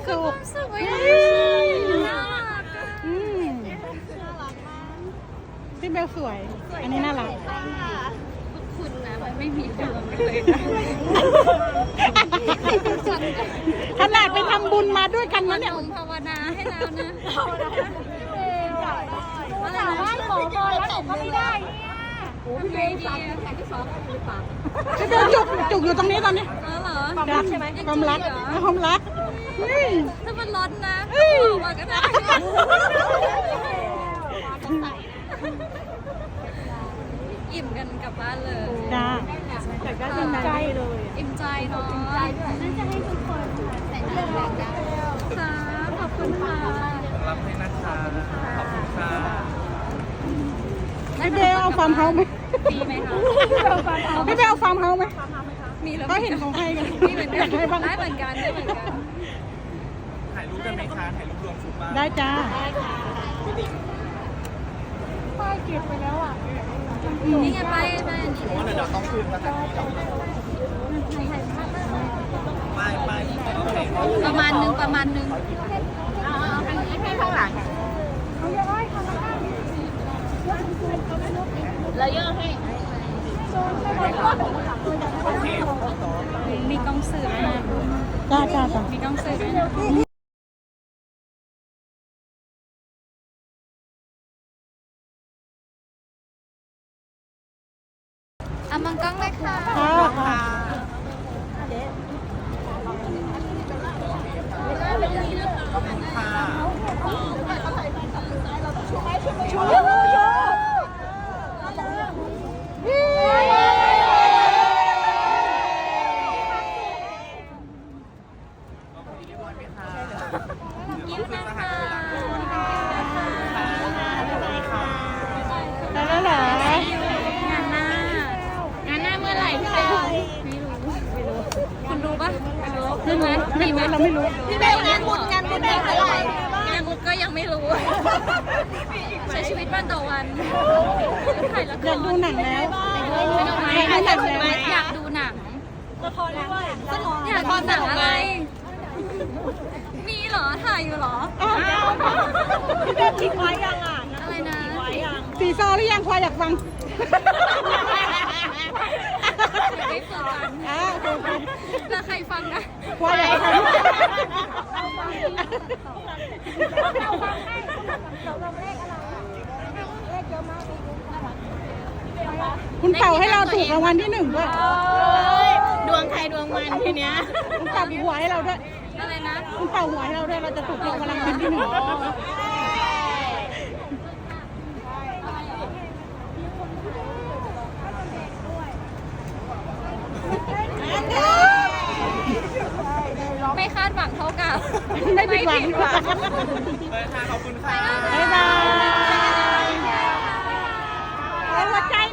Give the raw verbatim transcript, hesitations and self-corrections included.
สุขสุขไว้น่ารักอืมพี่เบลสวย อันนี้น่ารักคุณนะมันไม่มีดวงเลยนะฉันขนาดไปทำบุญมาด้วยกันมันะนเนี่ยลงภาวนาให้แล้วนะถามว่าขอพรแล้วหนูก็ไม่ได้เนี่ยโอ้พี่เบลสั่งแข่งที่สองหรือเปล่าพี่เบลจุกจุกอยู่ตรงนี้ตอนนี้เออเหรอความรักใช่ไหมความรักความรักเฮ้ยถ้ามันร้อนนะเฮ้ยบอกมาก็ได้อิ่มกันกลับบ้านเลยจ้าแต่ก็ดีใจเลยอิ่มใจเนาะน่าจะให้ทุกคนแต่งงานแบบนี้ค่ะขอบคุณค่ะรับให้นะคะขอบคุณค่ะพี่เบลเอาฟาร์มเฮาส์ไหมดีไหมคะพี่เบลเอาฟาร์มเฮาส์ไหมมีแล้วก็เห็นของใครกันมีเหมือนกันได้เหมือนกันได้เหมือนกันถ่ายรูปกันไหมคะถ่ายรูปรวมชุดบ้างได้จ้าป้ายเก็บไปแล้วอ่ะนี่ไงไปไปเพราะว่าเดี๋ยวเราต้องขึ้นนะคะไม่ไม่โอเคประมาณนึงประมาณนึงให้ข้างหลังแล้วย่อให้มีกล้องสื่อด้วยนะจ้าจ้าจ้ามีกล้องสื่อด้วยนะ อ่ะมังกล้องเลยค่ะค่ะค่ะขอบคุณค่ะยิ้มนะคะได้แล้วเหรองานหน้างานหน้าเมื่อไหร่พี่เบลไม่รู้ไม่รู้คุณรู้ปะไม่รู้รู้ไหมไม่มีไหมรู้เราไม่รู้พี่เบลงานบุญงานบุญเมื่อไหร่งานบุญก็ยังไม่รู้ ใช้ชีวิตวันต่อวันถ่ายละคอยาร กดูหนังแล้วไม่ต้องไหมอยากดูหนังแล้วอยากดูหนังละครด้วยสนุกอยากดูหนังอะไร มีเหรอ ถ่ายอยู่เหรอพี่เบลคิดไว้ยังอ่ะอะไรนะไว้ยังสีซอหรือยังควายอยากฟังเดี๋ยวได้ฝึกกันอ่าโอเคแล้วใครฟังนะควายอยากฟัง คุณเป่าให้เราถูกรางวัลที่หนึ่งด้วยดวงใครดวงมันทีเนี้ยคุณเป่าหัวให้เราด้วยอะไรนะคุณเป่าหัวให้เราด้วย เราจะถูกรางวัลรางวัลที่หนึ่งไม่คาดหวังเท่ากับไม่ผิดหวังเลยค่ะขอบคุณค่ะบ๊ายบายเอาหัวใจ